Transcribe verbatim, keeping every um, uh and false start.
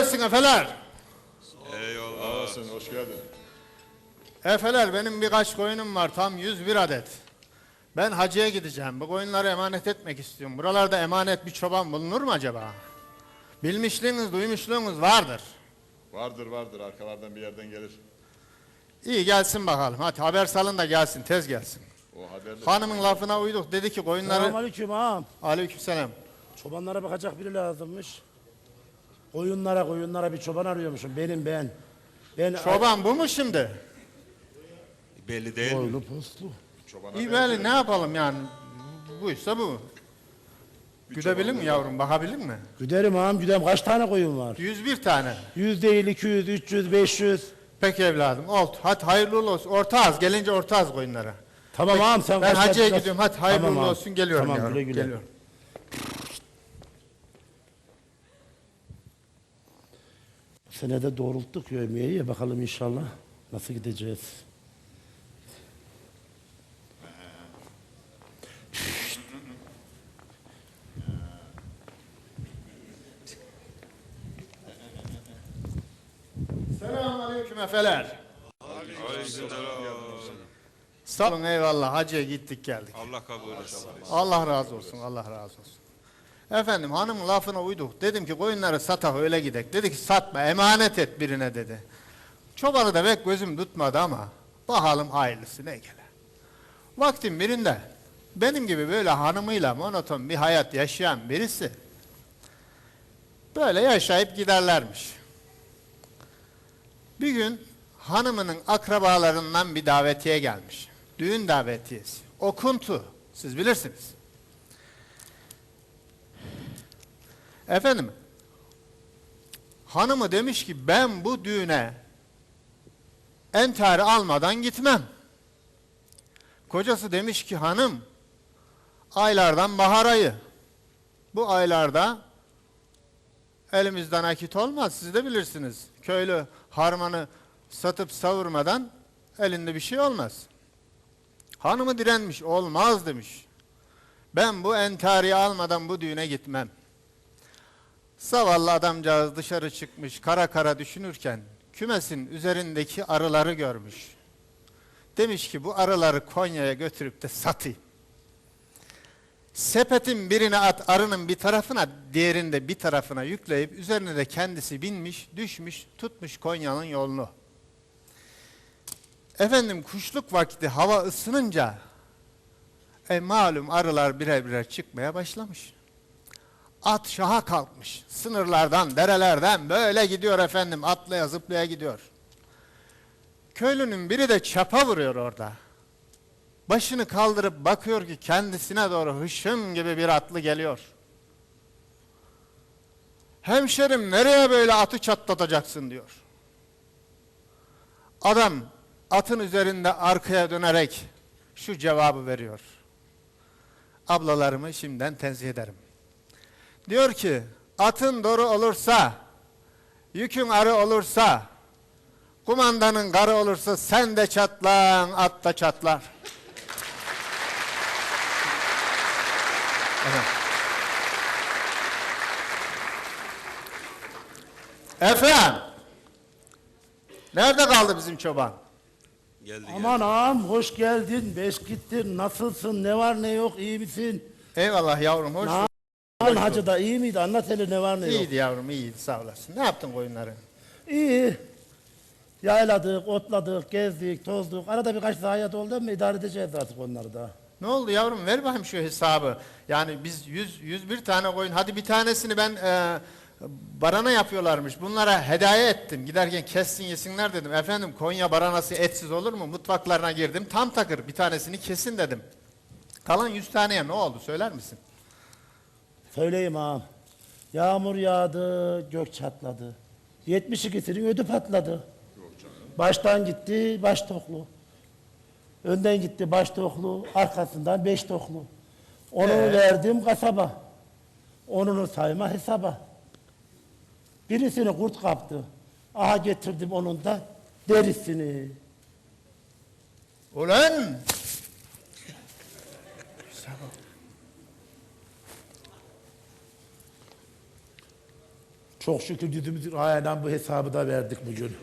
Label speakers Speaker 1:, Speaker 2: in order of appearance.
Speaker 1: gelsin efeler.
Speaker 2: Eyvallah.
Speaker 3: Olasın, hoş geldin.
Speaker 1: Efeler, benim birkaç koyunum var, tam yüz bir adet. Ben hacıya gideceğim, bu koyunları emanet etmek istiyorum. Buralarda emanet bir çoban bulunur mu acaba? Bilmişliğiniz, duymuşluğunuz vardır.
Speaker 3: Vardır vardır, arkalardan bir yerden gelir.
Speaker 1: İyi, gelsin bakalım, hadi haber salın da gelsin, tez gelsin.
Speaker 3: O haberde...
Speaker 1: Hanımın lafına uyduk, dedi ki koyunları...
Speaker 4: Selamünaleyküm ağam.
Speaker 1: Aleykümselam.
Speaker 4: Çobanlara bakacak biri lazımmış. Koyunlara koyunlara bir çoban arıyormuşum. Benim ben. Ben
Speaker 1: Çoban bu mu şimdi?
Speaker 2: Belli değil mi?
Speaker 4: Boylu poslu.
Speaker 3: Çobana
Speaker 1: İyi
Speaker 3: benziyor.
Speaker 1: böyle ne yapalım yani? Buysa bu. Güdebilir mi yavrum, bakabilir mi?
Speaker 4: Güderim ağam güderim. Kaç tane koyun var?
Speaker 1: yüz bir tane.
Speaker 4: Yüz değil, iki yüz, üç yüz, beş yüz.
Speaker 1: Peki evladım, oldu. Hadi hayırlı uğurlu olsun. Orta az, gelince orta az koyunlara.
Speaker 4: Tamam ağam sen
Speaker 1: Ben
Speaker 4: kaç
Speaker 1: hacıya
Speaker 4: kaç-
Speaker 1: gidiyorum, hadi hayırlı
Speaker 4: Tamam
Speaker 1: uğurlu
Speaker 4: ağam.
Speaker 1: olsun, geliyorum
Speaker 4: Tamam,
Speaker 1: yavrum.
Speaker 4: güle güle.
Speaker 1: Geliyorum.
Speaker 4: Bu sene de doğrulttuk yövmeyi. Bakalım inşallah nasıl gideceğiz.
Speaker 1: Selamünaleyküm efeler.
Speaker 2: Aleykümselam.
Speaker 1: Sağ olun, eyvallah. Hacıya gittik geldik.
Speaker 2: Allah kabul etsin.
Speaker 1: Allah razı olsun, Allah razı olsun. Efendim, hanımın lafına uyduk. Dedim ki koyunları satak öyle gidek. Dedi ki satma, emanet et birine dedi. Çobanı da pek gözüm tutmadı ama bakalım hayırlısı ne gele. Vaktin birinde benim gibi böyle hanımıyla monoton bir hayat yaşayan birisi böyle yaşayıp giderlermiş. Bir gün hanımının akrabalarından bir davetiye gelmiş. Düğün davetiyesi. Okuntu. Siz bilirsiniz. Efendim, hanımı demiş ki ben bu düğüne entari almadan gitmem. Kocası demiş ki hanım, aylardan bahar ayı. Bu aylarda elimizden akit olmaz, siz de bilirsiniz. Köylü harmanı satıp savurmadan elinde bir şey olmaz. Hanımı direnmiş, olmaz demiş. Ben bu entariyi almadan bu düğüne gitmem. Zavallı adamcağız dışarı çıkmış, kara kara düşünürken kümesin üzerindeki arıları görmüş. Demiş ki bu arıları Konya'ya götürüp de satayım. Sepetin birine at, arının bir tarafına, diğerinde bir tarafına yükleyip üzerine de kendisi binmiş, düşmüş, tutmuş Konya'nın yolunu. Efendim kuşluk vakti hava ısınınca e, malum arılar birer birer çıkmaya başlamış. At şaha kalkmış. Sınırlardan, derelerden böyle gidiyor efendim. Atlaya zıplaya gidiyor. Köylünün biri de çapa vuruyor orada. Başını kaldırıp bakıyor ki kendisine doğru hışım gibi bir atlı geliyor. Hemşerim nereye böyle atı çatlatacaksın diyor. Adam atın üzerinde arkaya dönerek şu cevabı veriyor. Ablalarımı şimdiden tenzih ederim. Diyor ki atın doğru olursa, yükün arı olursa, kumandanın karı olursa sen de çatlan, at da çatlar. Evet. Efendim, nerede kaldı bizim çoban?
Speaker 2: Geldi
Speaker 4: Aman ağam hoş geldin. Beş gittin. Nasılsın? Ne var ne yok? İyi misin?
Speaker 1: Eyvallah yavrum, hoş bulduk.
Speaker 4: Lan hacı da iyi miydi? Anlat hele ne var ne yok.
Speaker 1: İyiydi yavrum, iyiydi, sağ olasın. Ne yaptın koyunları?
Speaker 4: İyi. Yayladık, otladık, gezdik, tozduk. Arada birkaç zayiat oldu ama idare edeceğiz artık onları da.
Speaker 1: Ne oldu yavrum, ver bakayım şu hesabı. Yani biz yüz, yüz bir tane koyun, hadi bir tanesini ben e, barana yapıyorlarmış. Bunlara hediye ettim. Giderken kessin yesinler dedim. Efendim Konya baranası etsiz olur mu? Mutfaklarına girdim, tam takır bir tanesini kesin dedim. Kalan yüz taneye ne oldu, söyler misin?
Speaker 4: Söyleyeyim ağam. Yağmur yağdı, gök çatladı. yetmiş ikisinin ödü patladı. Baştan gitti, baş toklu. Önden gitti baş toklu, arkasından beş toklu. Onu
Speaker 1: Ee?
Speaker 4: verdim kasaba. Onunu sayma hesaba. Birisini kurt kaptı. Aha getirdim onun da derisini.
Speaker 1: Ulan!
Speaker 4: Çok şükür yüzümüz aynen bu hesabı da verdik bugün.